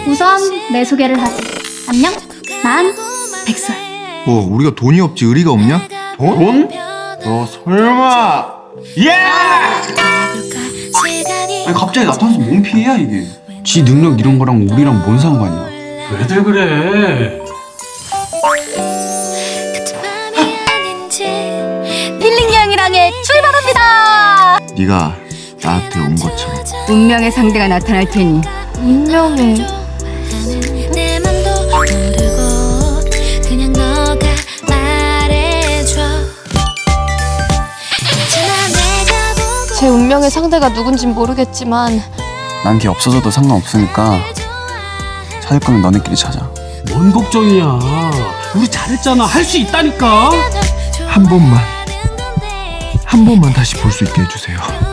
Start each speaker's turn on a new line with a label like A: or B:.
A: 우선 내 소개를 하지. 안녕, 난 백설.
B: 뭐 우리가 돈이 없지 의리가 없냐?
C: 돈? 너 설마? 예!
D: 아니 갑자기 나타나서 뭔 피해야 이게?
C: 지 능력 이런 거랑 우리랑 뭔 상관이야?
E: 왜들 그래?
A: 힐링 여행이랑에 출발합니다.
B: 네가 나한테 온 것처럼.
F: 운명의 상대가 나타날 테니
A: 운명의
G: 내 맘도 모르고 그냥 너가 말해줘. 괜찮아 내가 보고
H: 제 운명의 상대가 누군진 모르겠지만
D: 난 걔 없어져도 상관없으니까 찾을 거면 너네끼리 찾아.
E: 뭔 걱정이야? 우리 잘했잖아. 할 수 있다니까.
B: 한 번만 다시 볼 수 있게 해주세요.